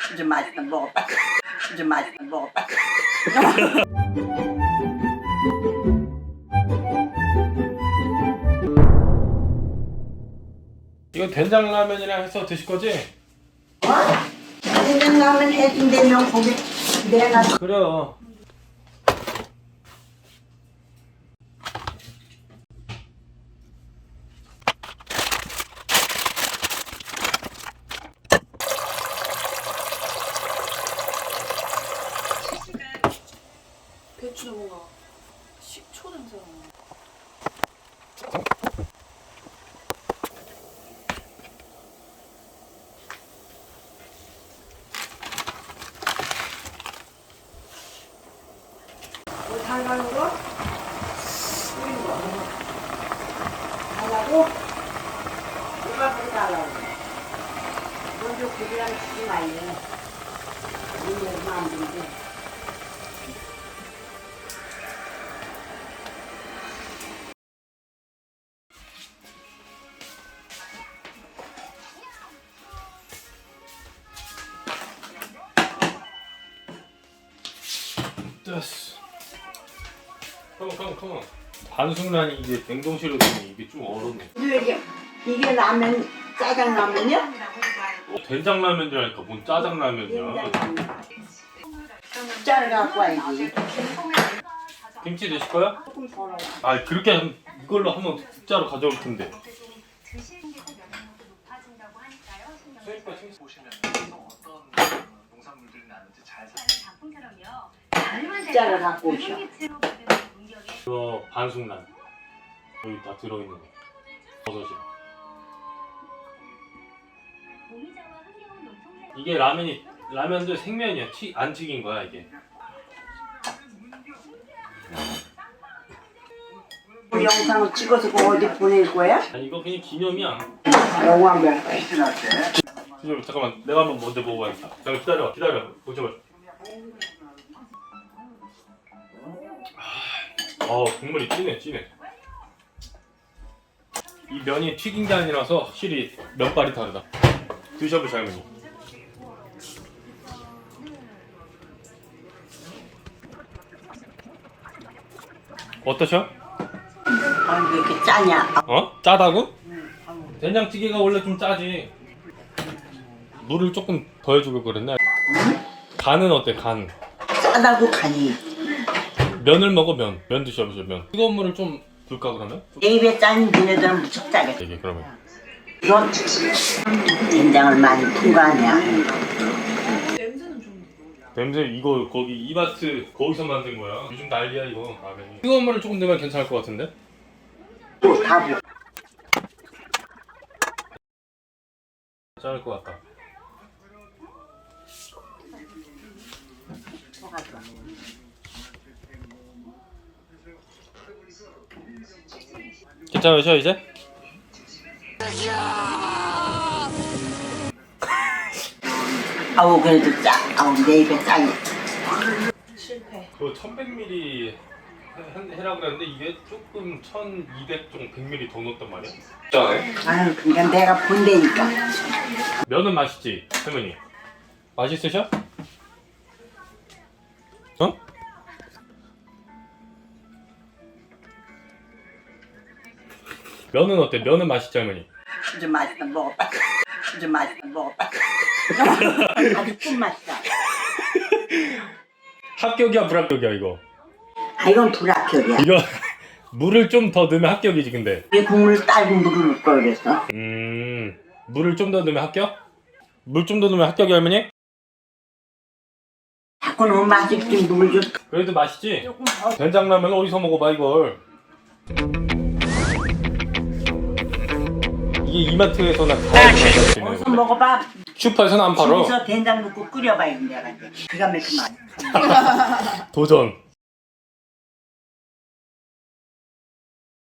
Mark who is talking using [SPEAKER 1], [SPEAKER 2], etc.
[SPEAKER 1] 좀 맛있다 먹어봐. 좀 맛있다 먹어봐.
[SPEAKER 2] 이거 된장라면이랑 해서 드실 거지?
[SPEAKER 1] 된장라면 해준다면 거기 내가
[SPEAKER 2] 그래요.
[SPEAKER 3] 배추도 뭔가 식초 냄새가 나. 달달으로
[SPEAKER 1] 달라고? 얼마큼 달라고? 먼저 고기랑 치지 말래. 이게 얼마 안 된대.
[SPEAKER 2] 됐어. 컴온. 반숙란이 이제 냉동실로 되면 이게 좀 얼었네.
[SPEAKER 1] 근데 이게 라면 짜장라면이야?
[SPEAKER 2] 된장라면 줄 아니까 뭔 짜장라면이야.
[SPEAKER 1] 짜를 갖고 와야지.
[SPEAKER 2] 김치 드실 거야?
[SPEAKER 1] 조금 덜어.
[SPEAKER 2] 아 그렇게 이걸로 한번 국자로 가져올 텐데.
[SPEAKER 4] 보시면 어떤 농산물들이 나는지 잘
[SPEAKER 1] 짜를 갖고 오셔.
[SPEAKER 2] 이거 반숙란 여기 다 들어있는 거. 버섯이. 이게 라면도 생면이야. 안 튀긴 거야 이게.
[SPEAKER 1] 그 영상을 찍어서 그거 어디 보낼 거야?
[SPEAKER 2] 아니 이거 그냥 기념이야.
[SPEAKER 1] 영화 몇 개.
[SPEAKER 2] 잠깐만 내가 한번 먼저 먹어봐야겠다. 잠깐 기다려. 보셔봐. 국물이 진해. 이 면이 튀긴 게 아니라서 확실히 면발이 다르다. 드셔보세요 할머니. 어떠셔?
[SPEAKER 1] 아, 왜 이렇게 짜냐?
[SPEAKER 2] 짜다고? 된장찌개가 원래 좀 짜지. 물을 조금 더 해주고 그랬나? 간은 어때? 간.
[SPEAKER 1] 짜다고 간이.
[SPEAKER 2] 면을 먹어 면 드셔보세요 면. 뜨거운 물을 좀 줄까 그러면?
[SPEAKER 1] 내 입에 짠 니네들은 무척 짜겠다.
[SPEAKER 2] 이게 그러면.
[SPEAKER 1] 이건 된장을 많이 푼 거 아니야?
[SPEAKER 3] 냄새는 좀.
[SPEAKER 2] 냄새 이거 거기 이마트 거기서 만든 거야. 요즘 난리야 이거 라면이. 뜨거운 물을 조금 넣으면 괜찮을 것 같은데?
[SPEAKER 1] 또 다 부.
[SPEAKER 2] 괜찮을 것 같다. 괜찮으셔 이제?
[SPEAKER 1] 아우 그래도 짜. 아우 내 입에 짜니.
[SPEAKER 3] 실패.
[SPEAKER 2] 그 1100ml 해라 그랬는데 이게 조금 1200 정도 100ml 더 넣었단 말이야? 짜네.
[SPEAKER 1] 아유 그러니까 내가 본다니까.
[SPEAKER 2] 면은 맛있지 할머니? 맛있으셔? 어? 면은 어때? 면은 맛있지 할머니?
[SPEAKER 1] 좀 맛있다 먹어봐. 좀 맛있다 먹어봐. 아주 꿀맛이다.
[SPEAKER 2] 합격이야 불합격이야 이거?
[SPEAKER 1] 아 이건 불합격이야.
[SPEAKER 2] 이거 물을 좀 더 넣으면 합격이지 근데.
[SPEAKER 1] 왜 국물 딸고 물을 넣을 걸 그랬어?
[SPEAKER 2] 물을 좀 더 넣으면 합격? 물 좀 더 넣으면 합격이 할머니?
[SPEAKER 1] 자꾸 너무 맛있게 물 좀.
[SPEAKER 2] 그래도 맛있지?
[SPEAKER 1] 조금 더.
[SPEAKER 2] 된장라면 어디서 먹어봐 이걸. 이게 이마트에서나 다
[SPEAKER 1] 어디서
[SPEAKER 2] 팔아.
[SPEAKER 1] 먹어봐.
[SPEAKER 2] 슈퍼에서는 안 팔아.
[SPEAKER 1] 집에서 된장 넣고 끓여봐 이런 데가 이제 기가 막히게 맛있어.
[SPEAKER 2] 도전.